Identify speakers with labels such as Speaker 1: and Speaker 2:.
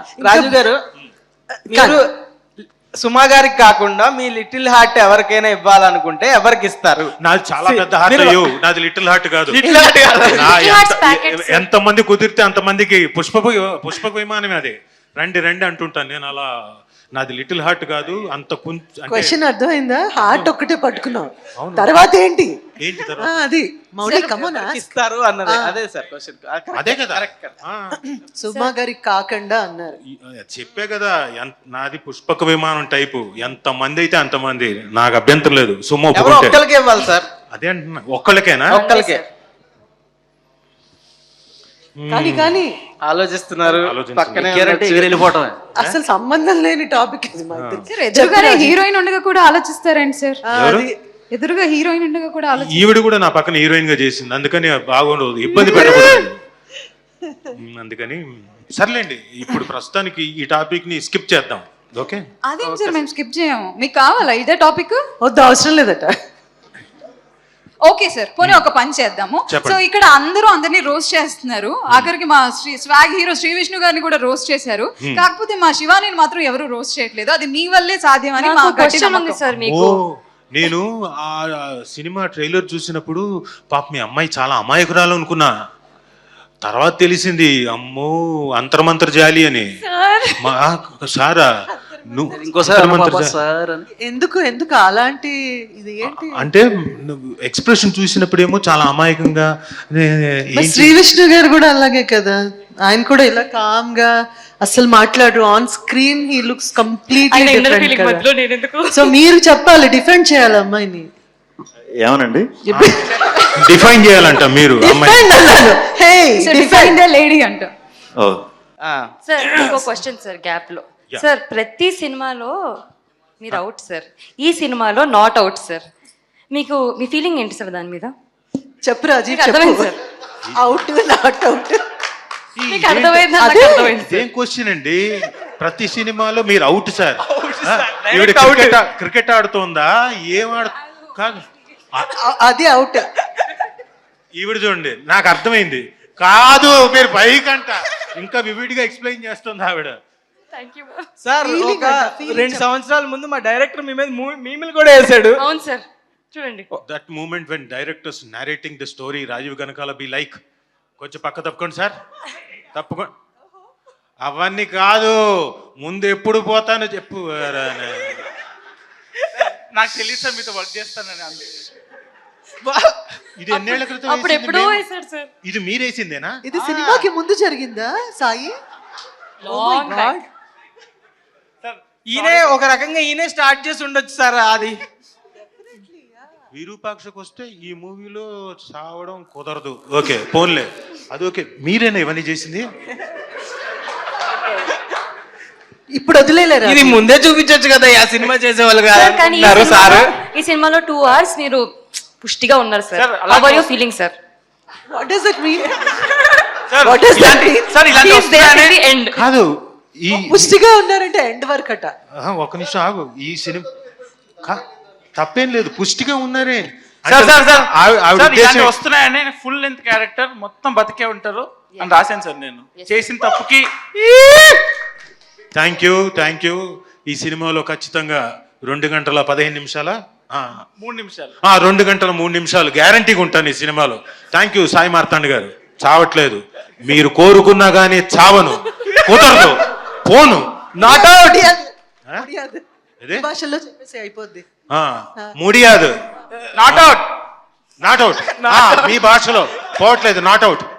Speaker 1: రాజు గారు మీరు సుమా గారికి కాకుండా మీ లిటిల్ హార్ట్ ఎవరికైనా ఇవ్వాలనుకుంటే ఎవరికి ఇస్తారు?
Speaker 2: నాది చాలా పెద్ద హార్ట్ అయ్యో, నాది లిటిల్ హార్ట్ కాదు. ఎంత మంది కుదిరితే అంతమందికి పుష్పక విమానమే అది. రండి రండి అంటుంటాను నేను. అలా నాది లిటిల్ హార్ట్ కాదు. అంత
Speaker 3: క్వశ్చన్ అర్థమైందా? హార్ట్ ఒక్కటే పట్టుకున్నావు, తర్వాత ఏంటి అది మౌలి కమోనా
Speaker 1: ఇస్తారు అన్నది. అదే సార్ క్వశ్చన్.
Speaker 2: అదే కదా,
Speaker 3: సుమా గారికి కాకుండా అన్నారు.
Speaker 2: చెప్పే కదా, నాది పుష్పక విమానం టైపు. ఎంత మంది అయితే అంతమంది, నాకు అభ్యంతరం లేదు. సుమా
Speaker 1: ఒక్కరికే ఇవ్వాలి సార్.
Speaker 2: అదే అంటున్నా, ఒక్కళ్ళకేనా?
Speaker 1: ఒక్కరికే.
Speaker 3: కానీ
Speaker 1: ఆలోచిస్తున్నారు.
Speaker 4: వెళ్ళిపోవటమే
Speaker 3: అసలు సంబంధం లేని టాపిక్ ఇది.
Speaker 5: ఎదురుగానే హీరోయిన్ ఉండగా కూడా ఆలోచిస్తారండి సార్. ఎదురుగా హీరోయిన్ ఉండగా కూడా
Speaker 2: ఈవిడ కూడా నా పక్కన హీరోయిన్ గా చేసింది, అందుకని బాగుండదు, ఇబ్బంది పెట్టకూడదు. అందుకని సర్లేండి, ఇప్పుడు ప్రస్తుతానికి ఈ టాపిక్ ని స్కిప్ చేద్దాం. ఓకే?
Speaker 5: అదేం సార్, మేము స్కిప్ చేయము. మీకు కావాలా ఇదే టాపిక్?
Speaker 3: వద్దు, అవసరం లేదట.
Speaker 5: ఓకే సార్, పోనీ ఒక పని చేద్దాము. సో ఇక్కడ అందరూ అందరినీ రోస్ట్ చేస్తున్నారు. ఆఖరికి మా స్వాగ్ హీరో శ్రీ విష్ణు గారిని కూడా రోస్ట్ చేశారు. కాకపోతే మా శివాని మాత్రం ఎవరు రోస్ట్ చేయట్లేదు. అది మీ వల్లే సాధ్యమని మా క్వశ్చన్ ఉంది సార్ మీకు.
Speaker 2: నేను ఆ సినిమా ట్రైలర్ చూసినప్పుడు పాప మీ అమ్మాయి చాలా అమాయకురాలు అనుకున్నా. తర్వాత తెలిసింది అమ్మో అంతర్మంతర్ జాలి అని. సారా
Speaker 3: ఎందుకు అలాంటి ఇది ఏంటి
Speaker 2: అంటే ఎక్స్ప్రెషన్ చూసినప్పుడేమో చాలా అమాయకంగా.
Speaker 3: శ్రీ విష్ణు గారు కూడా అలాగే కదా, ఆయన కూడా ఇలా కామ్ గా అసలు మాట్లాడు. On screen he looks completely different. So మీరు చెప్పాలి, డిఫెండ్ చేయాలి అమ్మాయిని.
Speaker 4: ఏమనండి
Speaker 2: డిఫైన్ చేయాలంట మీరు.
Speaker 5: డిఫైన్ ద లేడీ అంట.
Speaker 6: సార్ ఇంకో క్వశ్చన్ సార్ గ్యాప్ లో. సార్ ప్రతి సినిమాలో మీరు అవుట్ సార్, ఈ సినిమాలో నాట్ అవుట్ సార్. మీకు మీ ఫీలింగ్ ఏంటి సార్ దాని మీద?
Speaker 3: చెప్పు రాజీవ్, అర్థమైంది సార్. అవుట్ నాట్ అవుట్
Speaker 6: మీకు అర్థమైంది?
Speaker 2: ఏం క్వశ్చన్ అండి? ప్రతి సినిమాలో మీరు అవుట్ సార్. క్రికెట్ ఆడుతోందా? ఏం కాదు,
Speaker 3: అది అవుట్.
Speaker 2: ఈవిడ చూడండి, నాకు అర్థమైంది. కాదు మీరు పైకంట ఇంకా వివిడిగా ఎక్స్ప్లెయిన్ చేస్తుంది ఆవిడ.
Speaker 1: సార్ ఒక 2 సంవత్సరాల ముందు మా డైరెక్టర్ మీ మీద మీమిల్ కూడా వేసాడు.
Speaker 6: అవును సార్, చూడండి.
Speaker 2: That moment when directors narrating the story, Rajeev Kanakala be like కొంచెం పక్క తప్పుకోండి సార్, తప్పుకోండి. అవన్నీ కాదు, ముందు ఎప్పుడు పోతానో చెప్పు.
Speaker 1: నాకు తెలియదు సార్ మీతో వర్క్ చేస్తానని.
Speaker 2: ఇది ఎన్నేళ్ల క్రితం?
Speaker 6: అప్పుడు ఎప్పుడో వేసాడు సార్.
Speaker 2: ఇది మీరేసిందేనా?
Speaker 3: ఇది సినిమాకి ముందు జరిగిందా సాయి?
Speaker 1: ఈయనే ఒక రకంగా ఈయనే స్టార్ట్ చేసి ఉండొచ్చు సార్. అది
Speaker 2: విరూపాక్షకు వస్తే ఈ మూవీలో చావడం కుదరదు. ఓకే పోన్లే, అది ఓకే. మీరేనా ఇవన్నీ చేసింది?
Speaker 3: ఇప్పుడు వదిలేలేరా?
Speaker 1: ఇది ముందే చూపించొచ్చు కదా, ఆ సినిమా చేసేవాళ్ళు
Speaker 6: కాదు సార్. ఈ సినిమాలో 2 hours మీరు పుష్టిగా ఉన్నారు sir. How are you feeling sir?
Speaker 3: What does it mean?
Speaker 2: కాదు, ఈ
Speaker 3: పుష్టిగా ఉన్నారంటే ఎండ్ వరకు అట.
Speaker 2: ఒక నిమిషం ఆగు. ఈ సినిమా తప్పేం లేదు, పుష్టిగా ఉన్నారే
Speaker 1: వస్తున్నాయని. ఫుల్ లెంత్ క్యారెక్టర్ మొత్తం బతికే ఉంటారు అని రాశాను సార్ నేను చేసిన తప్పుకి.
Speaker 2: Thank you. ఈ సినిమాలో ఖచ్చితంగా 2 గంటల 15 నిమిషాల
Speaker 1: 3 నిమిషాలు
Speaker 2: 2 గంటల 3 నిమిషాలు గ్యారంటీగా ఉంటాను ఈ సినిమాలో. థ్యాంక్ యూ సాయి మార్తాండ్ గారు. చావట్లేదు, మీరు కోరుకున్నా గానీ చావను, కుదరదు, పోను. నాట్ అవుట్
Speaker 3: భాషలో చెప్పేసి అయిపోద్ది.
Speaker 2: ముడియాదు, నాట్ అవుట్ మీ భాషలో పోవట్లేదు, నాట్ అవుట్.